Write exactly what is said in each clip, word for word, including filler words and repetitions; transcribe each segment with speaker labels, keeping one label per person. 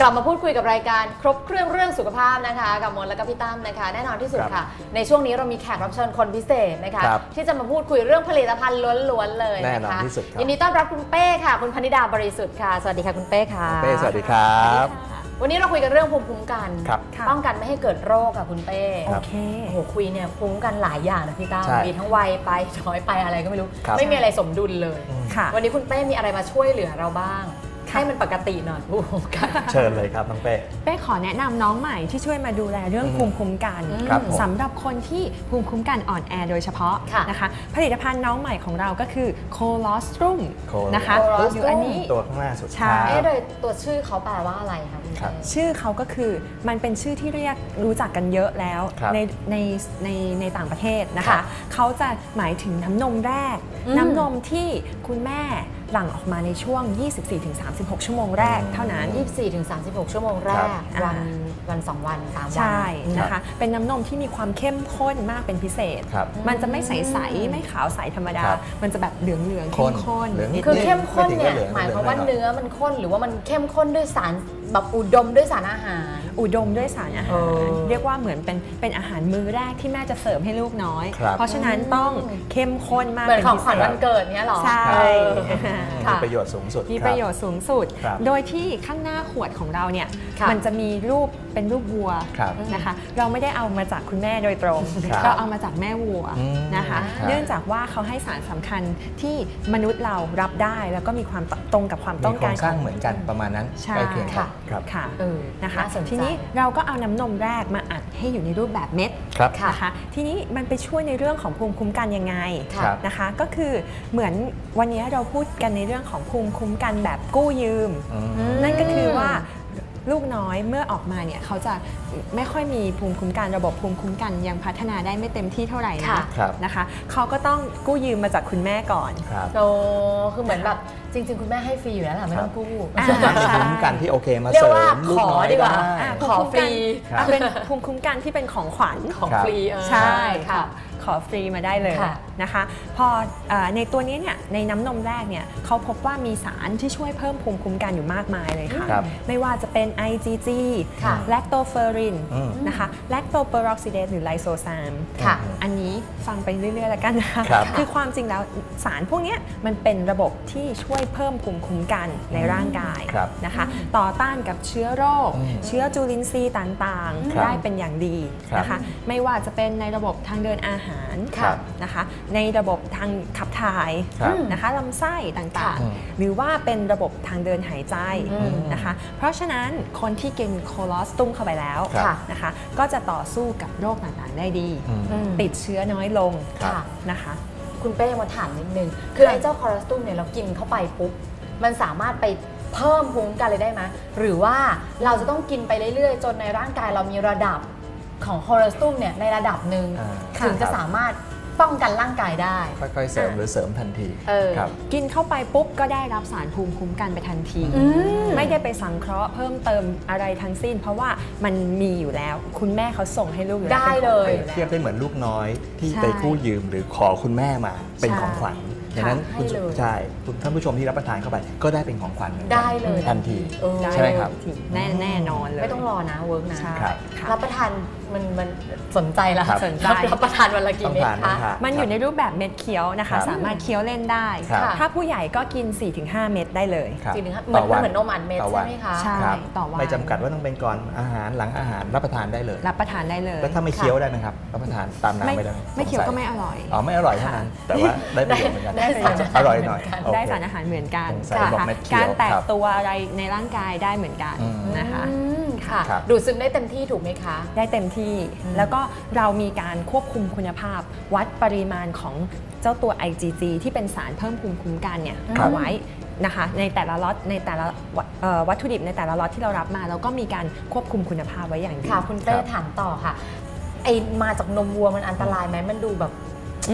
Speaker 1: กลับมาพูดคุยกับรายการครบเครื่องเรื่องสุขภาพนะคะกับมนและก็พี่ตั้มนะคะแน่นอนที่สุดค่ะในช่วงนี้เรามีแขกรับเชิญคนพิเศษนะคะที่จะมาพูดคุยเรื่องผลิตภัณฑ์ล้วนๆเลยนะคะแน่นอนที่สุดยินดีต้อนรับคุณเป้ค่ะคุณพนิดาบริสุทธิ์ค่ะสวัสดีค่ะคุณเป้ค่ะ
Speaker 2: เป้สวัสดีครับ
Speaker 1: วันนี้เราคุยกันเรื่องภูมิคุ้มกันป้องกันไม่ให้เกิดโรคค่ะคุณเป้
Speaker 2: โอเค
Speaker 1: โอ้โหคุยเนี่ยภูมิคุ้มกันหลายอย่างนะพี่ตั้มมีทั้งวัยไปช้อยไปอะไรก็ไม่รู้ไม่มีอะไรสมดุลเลยวันนี้คุณเป้มีอะไรมาช่วยเหลือเราบ้างให้มันปกติหน่อยภูมิคุ้มกัน
Speaker 2: เชิญเลยครับน้องเป้
Speaker 3: เป้ขอแนะนำน้องใหม่ที่ช่วยมาดูแลเรื่องภูมิคุ้มกันสำหรับคนที่ภูมิคุ้มกันอ่อนแอโดยเฉพาะนะคะผลิตภัณฑ์น้องใหม่ของเราก็คือโคลอสตรุมนะคะ
Speaker 1: อยู่
Speaker 3: อันนี้
Speaker 2: ตัวข้างหน้าสุด
Speaker 3: ใช่
Speaker 1: โดยตัวชื่อเขาแปลว่าอะไรคะ
Speaker 3: ชื่อเขาก็คือมันเป็นชื่อที่เรียกรู้จักกันเยอะแล้วในในในในต่างประเทศนะคะเขาจะหมายถึงน้ำนมแรกน้ำนมที่คุณแม่หลั่งออกมาในช่วง ยี่สิบสี่ถึงสามสิบหก ชั่วโมงแรกเท่านั้น
Speaker 1: ยี่สิบสี่ถึงสามสิบหก ชั่วโมงแรกวันวันสองวันสามวัน
Speaker 3: ใช่นะคะเป็นน้ำนมที่มีความเข้มข้นมากเป็นพิเศษมันจะไม่ใสๆไม่ขาวใสธรรมดามันจะแบบเหลืองเหลืองเข้มข้น
Speaker 1: คือเข้มข้นเนี่ยหมายความว่าเนื้อมันข้นหรือว่ามันเข้มข้นด้วยสารแบบอุดมด้วยสารอาหาร
Speaker 3: อุดมด้วยสารอาหารเรียกว่าเหมือนเป็นเป็นอาหารมื้อแรกที่แม่จะเสิร์ฟให้ลูกน้อยเพราะฉะนั้นต้องเข้มข้นมาก
Speaker 1: เป็นของขวัญวันเกิดเนี้ยหรอ
Speaker 3: ใช่
Speaker 2: มีประโยชน์สูงสุด
Speaker 3: มีประโยชน์สูงสุดโดยที่ข้างหน้าขวดของเราเนี่ยมันจะมีรูปเป็นรูปวัวนะคะเราไม่ได้เอามาจากคุณแม่โดยตรงเราเอามาจากแม่วัวนะคะเนื่องจากว่าเขาให้สารสำคัญที่มนุษย์เรารับได้แล้วก็มีความตรงกับความต้องการ
Speaker 2: ของเหมือนกันประมาณนั้นใกล้เคียงกัน
Speaker 3: ค่ะนะคะทีนี้เราก็เอาน้ำนมแรกมาอัดให้อยู่ในรูปแบบเม็ดนะคะทีนี้มันไปช่วยในเรื่องของภูมิคุ้มกันยังไงนะคะก็คือเหมือนวันนี้เราพูดกันในเรื่องของภูมิคุ้มกันแบบกู้ยืมนั่นก็คือว่าลูกน้อยเมื่อออกมาเนี่ยเขาจะไม่ค่อยมีภูมิคุ้มกันระบบภูมิคุ้มกันยังพัฒนาได้ไม่เต็มที่เท่าไหร่นะนะคะเขาก็ต้องกู้ยืมมาจากคุณแม่ก่อน
Speaker 1: โตคือเหมือนแบบจริงๆคุณแม่ให้ฟรีอยู่แล้วแหละไม่ต้องกู้
Speaker 2: ภูมิคุ้มกันที่โอเคมาเสริมลูกน้อยได้
Speaker 1: ขอฟรี
Speaker 3: เป็นภูมิคุ้มกันที่เป็นของขวัญ
Speaker 1: ของฟรี
Speaker 3: ใช่ค่ะขอฟรีมาได้เลยนะคะพอในตัวนี้เนี่ยในน้ำนมแรกเนี่ยเขาพบว่ามีสารที่ช่วยเพิ่มภูมิคุ้มกันอยู่มากมายเลยค่ะไม่ว่าจะเป็น ไอ จี จี แลคโตเฟอรินนะคะแลคโตเปอโรอกซิเดสหรือไลโซซามอันนี้ฟังไปเรื่อยๆแล้วกันนะคะคือความจริงแล้วสารพวกนี้มันเป็นระบบที่ช่วยเพิ่มภูมิคุ้มกันในร่างกายนะคะต่อต้านกับเชื้อโรคเชื้อจุลินทรีย์ต่างๆได้เป็นอย่างดีนะคะไม่ว่าจะเป็นในระบบทางเดินอาหารนะคะในระบบทางขับถ่ายนะคะลำไส้ต่างๆหรือว่าเป็นระบบทางเดินหายใจนะคะเพราะฉะนั้นคนที่กินโคลอสตุมเข้าไปแล้วนะคะก็จะต่อสู้กับโรคต่างๆได้ดีติดเชื้อน้อยลงนะคะ
Speaker 1: คุณเป้มาถามนิดนึงคือไอ้เจ้าโคลอสตุมเนี่ยเรากินเข้าไปปุ๊บมันสามารถไปเพิ่มภูมิคุ้มกันเลยได้ไหมหรือว่าเราจะต้องกินไปเรื่อยๆจนในร่างกายเรามีระดับของโคลอสตุมเนี่ยในระดับหนึ่งถึงจะสามารถป้องกันร่างกายได้
Speaker 2: ค่อยๆเสริมหรือเสริมทันที
Speaker 3: กินเข้าไปปุ๊บก็ได้รับสารภูมิคุ้มกันไปทันทีไม่ได้ไปสังเคราะห์เพิ่มเติมอะไรทั้งสิ้นเพราะว่ามันมีอยู่แล้วคุณแม่เขาส่งให้ลูก
Speaker 1: ได้เลย
Speaker 2: เทียบได้เหมือนลูกน้อยที่ไปกู้ยืมหรือขอคุณแม่มาเป็นของขวัญดังนั้นคุณใช่ท่านผู้ชมที่รับประทานเข้าไปก็ได้เป็นของขวัญ
Speaker 1: ได้เลย
Speaker 2: ทันทีใช่ไหมครับ
Speaker 3: แน่แน่นอนเลย
Speaker 1: ไม่ต้องรอนะเวิร์กนะรับประทานมันมันสนใจละสนใจรับประทานวันละกี่เม็ดคะ
Speaker 3: มันอยู่ในรูปแบบเม็ดเคี้ยวนะคะสามารถเคี้ยวเล่นได้ถ้าผู้ใหญ่ก็กิน สี่ถึงห้า เม็ดได้เลย
Speaker 1: สี่ถึงห้าเหมือนเหมือนนมอัดเม็ดใช่ไหมคะ
Speaker 3: ใช่ต่อวัน
Speaker 2: ไม่จำกัดว่าต้องเป็นก่อนอาหารหลังอาหารรับประทานได้เลย
Speaker 3: รับประทานได้เลย
Speaker 2: แล้วถ้าไม่เคี้ยวได้ไหมครับรับประทานตามน้ำไม่ได้
Speaker 3: ไม่เคี้ยวก็ไม่อร่อย
Speaker 2: อ๋อไม่อร่อยเท่านั้นแต่ว่าได้ประโยชน์เหมือนกันอร่อยหน่อย
Speaker 3: ได้สารอาหารเหมือนกันการแตกตัวอะไรในร่างกายได้เหมือนกันนะคะ
Speaker 1: ค่ะดูดซึมได้เต็มที่ถูกไหมคะ
Speaker 3: ได้เต็มที่แล้วก็เรามีการควบคุมคุณภาพวัดปริมาณของเจ้าตัว ไอ จี จี ที่เป็นสารเพิ่มภูมิคุ้มกันเนี่ยเอาไว้นะคะในแต่ละล็อตในแต่ละวัตถุดิบในแต่ละล็อตที่เรารับมาแล้วก็มีการควบคุมคุณภาพไว้อย่างดี
Speaker 1: ค่ะคุณเป้ถามต่อค่ะไอมาจากนมวัวมันอันตรายไหมมันดูแบบ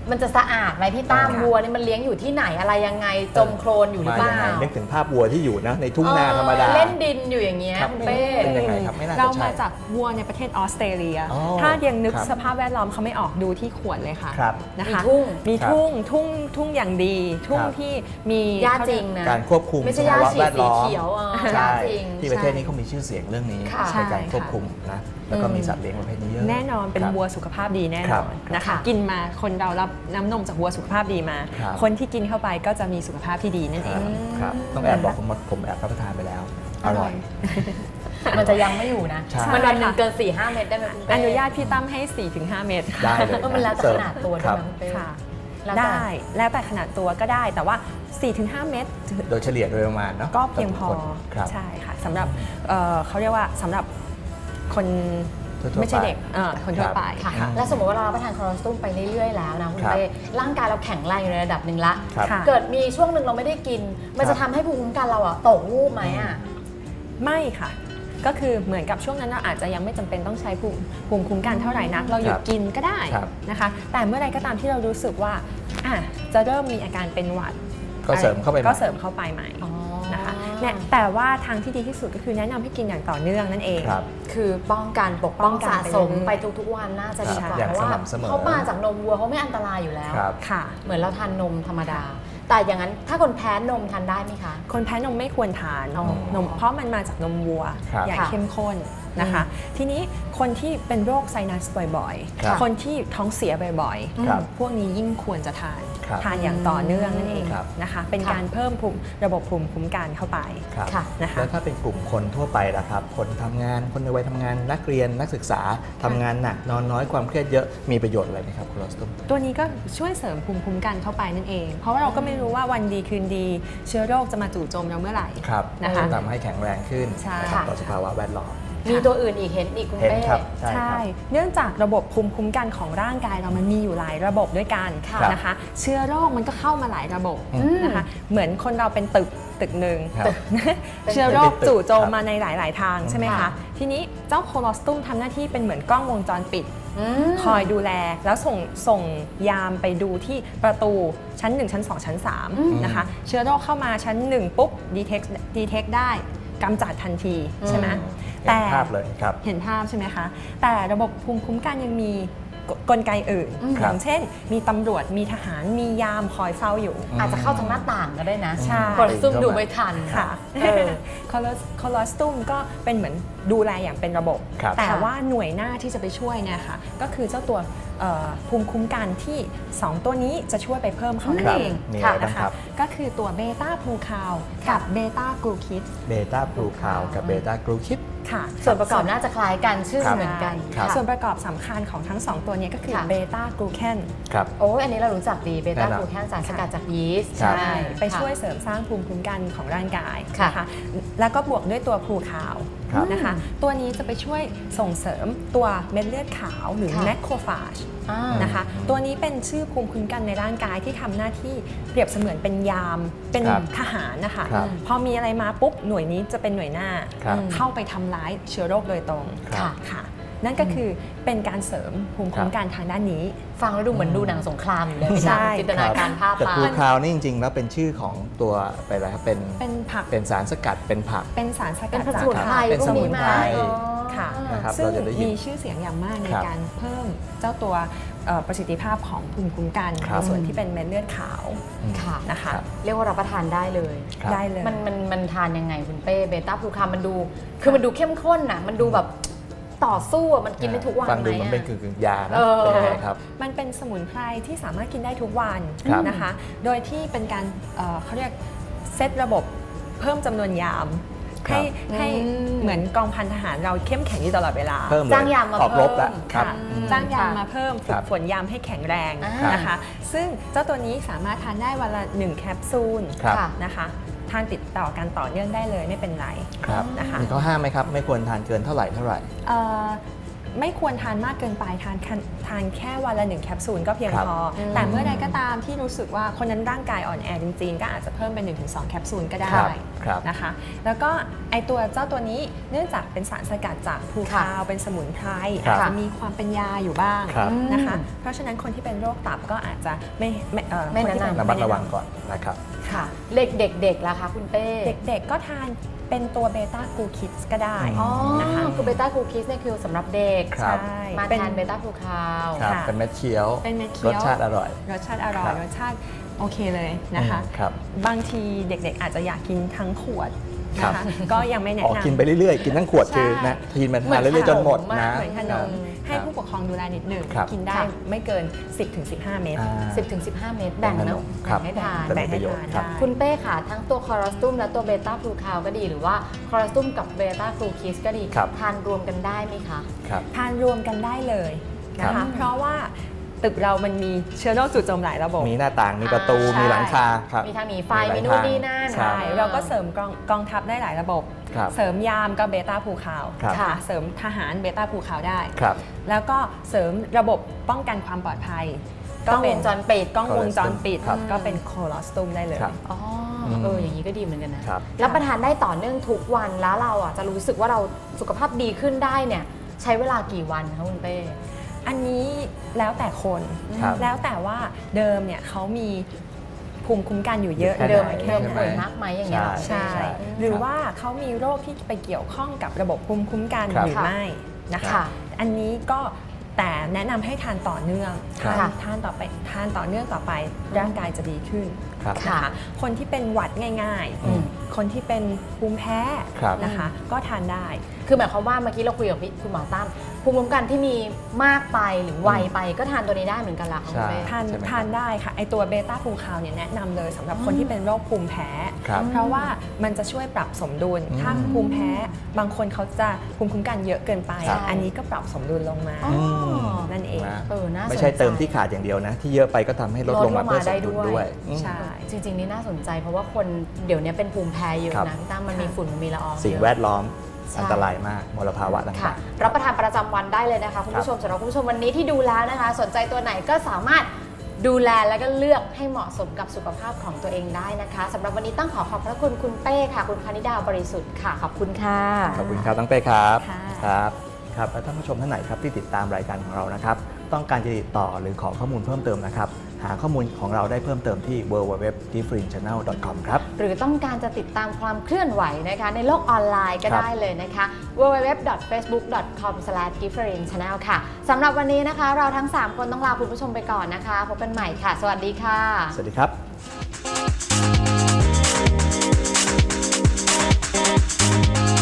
Speaker 1: มันจะสะอาดไหมพี่ตั้ม
Speaker 2: อ่า
Speaker 1: วัวนี่มันเลี้ยงอยู่ที่ไหนอะไรยังไงจมโคลนอยู่หรือเป
Speaker 2: มา
Speaker 1: ล่า
Speaker 2: ยังไงนึกถึงภาพวัวที่อยู่นะในทุ่งนาธรรมดา
Speaker 1: เออเล่นดินอยู่อย่างเงี้ย
Speaker 2: ครับ
Speaker 1: คุณเป้
Speaker 2: เป็นยังไงครับไม่น่าจะ
Speaker 3: เรา
Speaker 2: ใช่
Speaker 3: มาจากวัวในประเทศออสเตรเลีย
Speaker 2: อ๋อ
Speaker 3: ถ้ายังนึก
Speaker 2: ครับ
Speaker 3: สภาพแวดล้อมเขาไม่ออกดูที่ขวดเลยค่ะ
Speaker 2: ครับ
Speaker 3: นะคะ
Speaker 1: มีทุ่ง
Speaker 3: มี
Speaker 2: ครับ
Speaker 3: ทุ่งทุ่งทุ่งอย่างดี ทุ่ง
Speaker 2: ครับ
Speaker 3: ที่มี
Speaker 1: หญ้า
Speaker 3: เข
Speaker 1: จ
Speaker 3: เย
Speaker 1: ริ
Speaker 3: ก
Speaker 1: งนะ
Speaker 2: การควบคุม
Speaker 1: ไม่ใช่
Speaker 2: สภาวะ
Speaker 1: หญ้าฉีด
Speaker 2: แวดล้อม
Speaker 1: สีเขียวอ่ะ
Speaker 2: ใช่
Speaker 1: หญ้าจริง
Speaker 2: ที่ประเทศนี้เขามีชื่อเสียงเรื่องนี้
Speaker 1: ค่ะ
Speaker 2: ในการควบ
Speaker 3: ใช่ค่ะ
Speaker 2: คุมนะแล้วก็มีสัตว์เลี้ยงประเภทนี้เยอะ
Speaker 3: แน่นอนเป็น
Speaker 2: ครับ
Speaker 3: วัวสุขภาพดีแน่
Speaker 2: คน รับ
Speaker 3: อนนะคะ
Speaker 1: ค่ะ
Speaker 3: กินมาคนเรารับน้ำนมจากวัวสุขภาพดีมา
Speaker 2: ครับ
Speaker 3: คนที่กินเข้าไปก็จะมีสุขภาพที่ดีนั่น
Speaker 2: ค
Speaker 3: เอ
Speaker 2: รับ
Speaker 3: ง
Speaker 2: ครับต้องแอบบอกผมว่าผมแอบรับประทานไปแล้ว อร่อย
Speaker 1: มันจะยังไม่อยู่นะ
Speaker 2: ใช่
Speaker 1: มันวันหนึ่งเกิน สี่ห้า เม็ดได้ไหมคุณเป้
Speaker 3: อนุญาตพี่ตั้มให้ สี่ถึงห้า เม็ด
Speaker 2: ได้เลย
Speaker 1: เออมันแล้วแต่
Speaker 2: เสิ
Speaker 1: ข
Speaker 2: ร์ฟ
Speaker 1: นาดตัวด้วย
Speaker 2: ครับ
Speaker 1: นะคุณเป้
Speaker 3: ค่ะ
Speaker 1: แล้วแต่
Speaker 3: ได้แล้วแต่ขนาดตัวก็ได้แต่ว่า สี่ถึงห้า เม็ด
Speaker 2: โดยเฉลี่ยโดยประมาณเนาะ
Speaker 3: ก็เพียงพอ
Speaker 2: ต่อคนครับ
Speaker 3: ใช่ค่ะสำหรับเอ่อเขาเรียกว่าสำหรับคน
Speaker 2: ทั่วๆ
Speaker 3: ไม่ใช่
Speaker 2: ไป
Speaker 3: เด็กเอ่อคนทั่วไป
Speaker 1: ค่ะ
Speaker 2: ครับ
Speaker 1: แล้วสมมติว่าเรารับประทานคอเลสเตอรอลไปเรื่อยๆแล้วนะคุณ
Speaker 2: ครับ
Speaker 1: เป้ร่างกายเราแข็งแรงอยู่ในระดับหนึ่งละ
Speaker 2: ครับ
Speaker 3: ค่ะ
Speaker 1: เกิดมีช่วงหนึ่งเราไม่ได้กิน มัน
Speaker 2: ครั
Speaker 1: จะ
Speaker 2: บ
Speaker 1: ทำให้ภูมิคุ้มกันเราอะตกวูบไหมอะ
Speaker 3: ไม่ค่ะ ก็คือเหมือนกับช่วงนั้นเราอาจจะยังไม่จำเป็นต้องใช้ภูมิภูมิคุ้มกันเท่าไหร่นัก เราหยุ
Speaker 2: ค
Speaker 3: ด
Speaker 2: รับ
Speaker 3: กินก็ได้
Speaker 2: ครับ
Speaker 3: นะคะ แต่เมื่อไรก็ตามที่เรารู้สึกว่าอ่ะจะเริ่มมีอาการเป็นหวัด
Speaker 2: ก็เสริมเข้าไปใหม่
Speaker 3: ก็เสริมเข้าไปใหม่นะคะเนี่ยแต่ว่าทางที่ดีที่สุดก็คือแนะนำให้กินอย่างต่อเนื่องนั่นเอง
Speaker 2: ครับ
Speaker 1: คือป้องกันปกป้อง
Speaker 3: ป้องกัน
Speaker 1: สะสม
Speaker 3: ไป
Speaker 1: ไป
Speaker 3: เรื่อยๆ
Speaker 1: ทุกๆวันน่าจะดีกว่า
Speaker 2: อย่าง
Speaker 1: เพราะว่า
Speaker 2: สม่ำเสมอ
Speaker 1: เขามาจากนมวัวเขาไม่อันตรายอยู่แล้ว
Speaker 2: ครับ
Speaker 3: ค่ะ
Speaker 1: เหมือนเราทานนมธรรมดา แต่อย่างนั้นถ้าคนแพ้นมทานได้ไหมคะ
Speaker 3: คนแพ้นมไม่ควรทาน
Speaker 1: อ๋อ
Speaker 3: นมเพราะมันมาจากนมวัว
Speaker 2: ครับ
Speaker 3: อย่าง
Speaker 1: ค่ะ
Speaker 3: เข้มข้นนะคะ ทีนี้คนที่เป็นโรคไซนัสบ่อย
Speaker 2: ครับ
Speaker 3: ๆ คนที่ท้องเสียบ่อย
Speaker 2: ครับ
Speaker 3: ๆ พวกนี้ยิ่งควรจะทาน
Speaker 2: ครับ
Speaker 3: ทานอย่างต่อเนื่องนั่นเอง
Speaker 2: ครับ
Speaker 3: นะคะ เป็น
Speaker 1: ค่ะ
Speaker 3: การเพิ่มภูมิระบบภูมิคุ้มกันเข้าไป
Speaker 2: ครับ
Speaker 1: ค่ะ
Speaker 3: นะคะ
Speaker 2: แล้วถ้าเป็นกลุ่มคนทั่วไปล่ะครับ คนทำงานคนในวัยทำงานนักเรียนนักศึกษาทำงานหนักนอนน้อยความเครียดเยอะมีประโยชน์อะไรไหมครับโคลอสตุม
Speaker 3: ตัวนี้ก็ช่วยเสริมภูมิคุ้มกันเข้าไปนั่นเอง เพราะว่าเราก็ไม่รู้ว่าวันดีคืนดี เชื้อโรคจะมาจู่โจมเราเมื่อไหร่
Speaker 2: ครับ
Speaker 3: นะคะ
Speaker 2: ทำให้แข็งแรงขึ้น
Speaker 3: ใช่
Speaker 2: นะครับต่อสภาวะแวดล้อม
Speaker 1: มีตัวอื่นอีกเห็นอีกคุณ
Speaker 2: เห็น
Speaker 1: เป้
Speaker 2: ครับใช่ค
Speaker 3: ใช่
Speaker 2: รับ
Speaker 3: เนื่องจากระบบภูมิคุ้มกันของร่างกายเรามันมีอยู่หลายระบบด้วยกัน
Speaker 1: ค่ะ
Speaker 3: นะคะ เชื้อโรคมันก็เข้ามาหลายระบบ
Speaker 2: อืม
Speaker 3: นะคะ เหมือนคนเราเป็นตึกตึกหนึ่ง
Speaker 2: ครับ
Speaker 3: เชื้อโรค
Speaker 2: เป็นตึก
Speaker 3: จู่โจม
Speaker 2: ครับ
Speaker 3: มาในหลาย ๆ ทางใช่ไหม
Speaker 1: ค่ะ
Speaker 3: คะ ทีนี้เจ้าโคลอสตุมทำหน้าที่เป็นเหมือนกล้องวงจรปิด
Speaker 1: อืม
Speaker 3: คอยดูแลแล้วส่งส่งยามไปดูที่ประตูชั้น หนึ่ง ชั้น สอง ชั้น สาม
Speaker 1: อืม
Speaker 3: นะคะ เชื้อโรคเข้ามาชั้น หนึ่ง ปุ๊บ detect detect ได้กำจัดทันทีใช่ไหม
Speaker 2: เห็นภาพเลยครับ
Speaker 3: เห็นภาพใช่ไหมคะ แต่ระบบภูมิคุ้มกันยังมีกกลไกอื่น
Speaker 1: อืม
Speaker 3: อย่างเช่น มีตำรวจมีทหารมียามคอยเฝ้าอยู่
Speaker 1: อาจจะเข้าทางหน้าต่างก็ได้นะ
Speaker 3: ใช่
Speaker 1: คนซุ่มดูไม่ทัน
Speaker 3: ค่ะ
Speaker 1: เออ
Speaker 3: คอลคอลอสตุมก็เป็นเหมือนดูแลอย่างเป็นระบบ
Speaker 2: ครับ
Speaker 3: แต่
Speaker 1: ค่ะ
Speaker 3: ว่าหน่วยหน้าที่จะไปช่วยเนี่ยค่ะก็คือเจ้าตัวเอ่อภูมิคุ้มกันที่ สอง ตัวนี้จะช่วยไปเพิ่มเขานั่
Speaker 2: คน รับ
Speaker 3: เอง
Speaker 2: มี
Speaker 1: ค่ะ
Speaker 2: อะไรบ้าง
Speaker 3: นะคะ
Speaker 2: ครับ
Speaker 3: ก็คือตัวเบต้าพลูคาวกับเบต้ากลูคิด
Speaker 2: เบต้าบลูคาวกับเบต้ากรูคิด
Speaker 3: ค่ะ
Speaker 1: ส่วนประกอบน่าจะคล้ายกันชื่อ
Speaker 2: ครับ
Speaker 1: เหมือนกัน
Speaker 2: ครับ
Speaker 1: ค่ะ
Speaker 3: ส่วนประกอบสำคัญของทั้งสองตัวเนี้ก็คือ
Speaker 1: ค่ะ
Speaker 3: เบต้ากลูแคน
Speaker 2: ครับ
Speaker 1: โอ้ยอันนี้เรารู้จักดีเบต้า
Speaker 2: แน่นอน
Speaker 1: กลูแคนสารสกัดจากยีสต์
Speaker 2: ครับ
Speaker 3: ใช่ไปช่วย
Speaker 1: ค่ะ
Speaker 3: เสริมสร้างภูมิคุ้มกันของร่างกาย
Speaker 1: ค่ะ
Speaker 3: นะคะแล้วก็บวกด้วยตัวพลูคาว
Speaker 2: ครับ
Speaker 3: นะคะ ตัวนี้จะไปช่วยส่งเสริมตัวเม็ดเลือดขาวหรือ
Speaker 1: ค่ะ
Speaker 3: แมคโครฟาจ
Speaker 1: อ่า
Speaker 3: นะคะ ตัวนี้เป็นชื่อภูมิคุ้มกันในร่างกายที่ทำหน้าที่เปรียบเสมือนเป็นยาม เป็น
Speaker 2: ครับ
Speaker 3: ทหารนะคะ
Speaker 2: ครับ
Speaker 3: พอมีอะไรมาปุ๊บหน่วยนี้จะเป็นหน่วยหน้า
Speaker 2: ครับ
Speaker 3: เข้าไปทำร้ายเชื้อโรคโดยตรง
Speaker 2: ครับ
Speaker 3: ค่ะ นั่นก็คือเป็นการเสริมภูมิคุ้มกันทางด้านนี้
Speaker 1: ฟังแล้วดูเหมือนดูหนังสงครามอยู่เลยพี่
Speaker 3: ใช่
Speaker 1: ตั้มจินตนาการภาพ
Speaker 2: แต่
Speaker 1: ตา
Speaker 2: บลูคาวนี่จริงๆ แล้วเป็นชื่อของตัวไปอะไรครับเป็น
Speaker 3: เป็นผัก
Speaker 2: เป็นสารสกัดเป็นผัก
Speaker 3: เป็นสารส
Speaker 1: เป็
Speaker 3: กัน ด
Speaker 1: ส
Speaker 3: จาก
Speaker 1: มุนไพร
Speaker 2: เป็น
Speaker 1: พวก
Speaker 2: สมุ
Speaker 1: นี้
Speaker 2: น
Speaker 1: มา
Speaker 2: ไพร
Speaker 1: อ๋อ
Speaker 3: ค่ะ
Speaker 2: นะครับ
Speaker 3: ซึ่ง
Speaker 2: เราจะได้ยิน
Speaker 3: มีชื่อเสียงอย่างมากใน
Speaker 2: ครับ
Speaker 3: การเพิ่มเจ้าตัวเอ่อประสิทธิภาพของภูมิคุ้มกัน
Speaker 2: ครั
Speaker 3: ใน
Speaker 2: บ
Speaker 3: ส่วนที่เป็นเม็ดเลือดขาว
Speaker 2: อืม
Speaker 1: ค่ะ
Speaker 3: นะคะ
Speaker 2: ครับ
Speaker 1: เรียกว่ารับประทานได้เลย
Speaker 2: ครับ
Speaker 3: ได้เลย
Speaker 1: มันมันมันทานยังไงคุณเป้เบต้าพลูคามันดู คือมันดูเข้มข้นน่ะ มันดูแบบต่อสู้อะมันกินได้ทุกวัน
Speaker 2: ฟัง
Speaker 1: ไหม
Speaker 2: ดูมันเป็น
Speaker 1: อะ
Speaker 2: กึ่งๆยานะ
Speaker 1: เออ
Speaker 2: เป็นยังไงครับ
Speaker 3: มันเป็นสมุนไพรที่สามารถกินได้ทุกวัน
Speaker 2: ครับ
Speaker 3: นะคะ โดยที่เป็นการเอ่อเขาเรียกเซตระบบเพิ่มจำนวนยาม
Speaker 2: ครั
Speaker 3: ให้
Speaker 2: บ
Speaker 3: ให้
Speaker 1: อืม
Speaker 3: เหมือนกองพันทหารเราเข้มแข็งอยู่ตลอดเวลา
Speaker 2: เพิ่มเลย
Speaker 1: จ้างยามมา
Speaker 2: ออกรบแล้ว
Speaker 1: เพิ่ม
Speaker 2: ครับ
Speaker 3: ค่ะ
Speaker 1: อืม
Speaker 3: จ้างยาม
Speaker 1: ค่ะ
Speaker 3: มาเพิ่มฝึ
Speaker 2: ครั
Speaker 3: ก
Speaker 2: บ
Speaker 3: ฝนยามให้แข็งแรง
Speaker 1: อ่าน
Speaker 3: นะคะ ซึ่งเจ้าตัวนี้สามารถทานได้วันละหนึ่งแคปซูล
Speaker 2: ครับ
Speaker 1: ค่ะ
Speaker 3: นะคะทานติดต่อกันต่อเนื่องได้เลยไม่เป็นไร
Speaker 2: ครับ
Speaker 3: นะคะ
Speaker 2: มีข้อห้ามไหมครับ ไม่ควรทานเกินเท่าไหร่เท่าไหร่
Speaker 3: เอ่อไม่ควรทานมากเกินไปทานทานแค่วันละหนึ่งแคปซูลก็เพียงพอ แต่เมื่อใดก็ตามที่รู้สึกว่าคนนั้นร่างกายอ่อนแอจริงๆก็อาจจะเพิ่มเป็น หนึ่งถึงสอง แคปซูลก็ได้นะคะแล้วก็ไอตัวเจ้าตัวนี้เนื่องจากเป็นสารสกัดจากพลูคาวเป็นสมุนไพรอาจจะมีความเป็นยาอยู่บ้างนะคะเพราะฉะนั้นคนที่เป็นโรคตับก็อาจจะไม่ไม่เอ่อ
Speaker 1: ไม่แนะนำ
Speaker 2: ระมัดระวังก่อนนะครับ
Speaker 1: ค่ะเด็กๆเด็กๆล่ะคะคุณเป้
Speaker 3: เด็กๆก็ทานเป็นตัวเบต้ากลูคิดก็ได้
Speaker 1: อ๋อ
Speaker 3: นะคะ
Speaker 1: คือเบต้ากลูคิสเนี่ยคือสำหรับเด็ก
Speaker 2: ครับ
Speaker 3: ใช่
Speaker 1: มา
Speaker 3: เป็น
Speaker 1: ทานเบต้าฟลูคาว
Speaker 2: ครับ
Speaker 3: ค่ะ
Speaker 2: เป็นเม็ดเคี้ยว
Speaker 3: เป็นเม็ด
Speaker 2: ร
Speaker 3: เคี้
Speaker 2: ส
Speaker 3: ยว
Speaker 2: ชาติอร่อย
Speaker 3: รสชาติอร่อ
Speaker 2: ครั
Speaker 3: ย
Speaker 2: บ
Speaker 3: รสชาติโอเคเลยนะคะ
Speaker 2: อืมครับ
Speaker 3: บางทีเด็กๆอาจจะอยากกินทั้งขวด
Speaker 2: ครับ
Speaker 3: นะคะก็ยังไม่แนะ
Speaker 2: ออก
Speaker 3: นำ
Speaker 2: กินไปเรื่อยๆ กินทั้งขวด
Speaker 3: ใช่
Speaker 2: คือนะทีนมันทานเรื่อยๆจนหมดนะ
Speaker 3: เหมือนขนมให้
Speaker 2: ครับ
Speaker 3: ผู้ปกครองดูแลนิดหนึ่ง
Speaker 2: ครับ
Speaker 3: กินได้
Speaker 1: ค่ะ
Speaker 3: ไม่เกิน สิบถึงสิบห้า เม็ด
Speaker 2: อ่า
Speaker 1: สิบถึงสิบห้า เม็ดแบ่ง
Speaker 2: ขน
Speaker 1: นะ
Speaker 2: มครับ
Speaker 1: แบ่งให้ทาน
Speaker 2: จะมีประโยชน์ครับ
Speaker 3: ได้
Speaker 1: คุณเป้ค่ะทั้งตัวคอรัสตุมและตัวเบต้าฟลูคาวก็ดีหรือว่าคอรัสตุมกับเบต้าฟลูคิสก็ดี
Speaker 2: ครับ
Speaker 1: ทานรวมกันได้ไหมคะ
Speaker 2: ครับ
Speaker 3: ทานรวมกันได้เลยนะ
Speaker 2: ครั
Speaker 3: คะ
Speaker 2: บ
Speaker 3: เพราะว่าตึกเรามันมีเชื้อโรคจู่โจมหลายระบบ
Speaker 2: มีหน้าต่าง มีประตู
Speaker 3: ใช่
Speaker 2: มีหลังคาครับ
Speaker 1: มีทางหนีไฟ
Speaker 2: หลาย
Speaker 1: มีนู่น
Speaker 2: ทาง
Speaker 1: นี่นั่น
Speaker 2: ครั
Speaker 3: ใช่
Speaker 2: บ
Speaker 3: เราก็เสริมกองกองทัพได้หลายระบบ
Speaker 2: ครับ
Speaker 3: เสริมยามก็เบต้าภูเขา
Speaker 2: ครับ
Speaker 3: ค่ะเสริมทหารเบต้าภูเขาได้
Speaker 2: ครับ
Speaker 3: แล้วก็เสริมระบบป้องกันความปลอดภัย
Speaker 1: กล้องวงจรปิด
Speaker 3: กล้องวงจรปิด
Speaker 2: ครับ
Speaker 3: ก็เป็นโคลอสตุมได้เลย
Speaker 2: ครับ
Speaker 1: อ๋อ
Speaker 2: อืม
Speaker 1: เอออย่างนี้ก็ดีเหมือนกันนะครับ รับประทานได้ต่อเนื่องทุกวันแล้วเราอ่ะจะรู้สึกว่าเราสุขภาพดีขึ้นได้เนี่ยใช้เวลากี่วันคะคุณเป้
Speaker 3: อันนี้แล้วแต่คน
Speaker 2: ครับ
Speaker 3: แล้วแต่ว่าเดิมเนี่ยเขามีภูมิคุ้มกันอยู่เยอะ
Speaker 2: แค่ไหน
Speaker 1: เดิม
Speaker 3: น้อย
Speaker 1: เดิม
Speaker 3: แค่ไหน
Speaker 1: ป่วยมากไหมอย่างเงี้ยเหรอ
Speaker 3: ใช่
Speaker 2: ใช่
Speaker 3: หรือว่าเขามีโรคที่ไปเกี่ยวข้องกับระบบภูมิคุ้มกัน
Speaker 2: ครับ
Speaker 3: หรือไม่นะคะ
Speaker 1: ค่ะ
Speaker 3: อันนี้ก็แต่แนะนำให้ทานต่อเนื่อง
Speaker 2: ครับ
Speaker 3: ทานทานต่อไปทานต่อเนื่องต่อไปร่างกายจะดีขึ้น
Speaker 2: ครับ
Speaker 1: ค่ะ
Speaker 3: นะคะคนที่เป็นหวัดง่าย
Speaker 2: อืม
Speaker 3: ๆ คนที่เป็นภูมิแพ้
Speaker 2: ครับ
Speaker 3: นะคะ ก็ทานได้
Speaker 1: คือหมายความว่าเมื่อกี้เราคุยกับพี่คุณหมอตั้มภูมิคุ้มกันที่มีมากไปหรือไวไปก็ทานตัวนี้ได้เหมือนกันล่ะคะคุณเป้
Speaker 3: ทาน
Speaker 2: ใช่ไหมครับ
Speaker 3: ทานได้ค่ะไอตัวเบต้าภูคาวเนี่ยแนะนำเลยสำหรับคนที่เป็นโรคภูมิแพ้
Speaker 2: ครับ
Speaker 3: เพราะว่ามันจะช่วยปรับสมดุล
Speaker 2: อืม
Speaker 3: ถ้าภูมิแพ้บางคนเขาจะภูมิคุ้มกันเยอะเกินไป
Speaker 2: ครับ
Speaker 3: อันนี้ก็ปรับสมดุลลงมา
Speaker 1: อ๋อ
Speaker 3: นั่นเอง
Speaker 2: นะ
Speaker 1: เออน่าสนใจ
Speaker 2: ไม่ใช่เติมที่ขาดอย่างเดียวนะ ที่เยอะไปก็ทำให้ลดลงมาเพื่อสมดุลด้วยอืม
Speaker 3: ใช่
Speaker 1: จริงๆนี่น่าสนใจเพราะว่าคนเดี๋ยวนี้เป็นภูมิแพ้เยอะ
Speaker 2: ครับ
Speaker 1: นะพี่ตั้มมันมีฝุ่นมันมีละออง
Speaker 2: สิ่ง
Speaker 1: เยอะ
Speaker 2: แวดล้อม
Speaker 1: ใช่
Speaker 2: อันตรายมากมลภาวะต่
Speaker 1: ค่ะ
Speaker 2: าง
Speaker 1: รับประทานประจำวันได้เลยนะคะคุณผู้ชมสำหรับคุณผู้ชมวันนี้ที่ดูแล้วนะคะ สนใจตัวไหนก็สามารถดูแลแล้วก็เลือกให้เหมาะสมกับสุขภาพของตัวเองได้นะคะสำหรับวันนี้ต้องขอขอบพระคุณคุณเป้ค่ะ คุณพนิดาบริสุทธิ์ค่ะขอบคุณค่ะ
Speaker 2: ๆ ขอบคุณครับตั้งเป้ครับ
Speaker 3: ค่ะ
Speaker 2: ครับครับและท่านผู้ชมท่านไหนครับที่ติดตามรายการของเรานะครับ ต้องการจะติดต่อหรือขอข้อมูลเพิ่มเติมนะครับ หาข้อมูลของเราได้เพิ่มเติมที่ ดับเบิลยู ดับเบิลยู ดับเบิลยู ดอท ดิฟเฟอเรนซ์ แชนแนล ดอท คอม ครับ
Speaker 1: หรือต้องการจะติดตามความเคลื่อนไหวนะคะในโลกออนไลน์ก็
Speaker 2: ครับ
Speaker 1: ได้เลยนะคะ ดับเบิลยู ดับเบิลยู ดับเบิลยู ดอท เฟซบุ๊ก ดอท คอม สแลช ดิฟเฟอเรนซ์ แชนแนล ค่ะสำหรับวันนี้นะคะ เราทั้ง สาม คนต้องลาคุณผู้ชมไปก่อนนะคะพบกันใหม่ค่ะ สวัสดีค่ะ
Speaker 2: สวัสดีครับ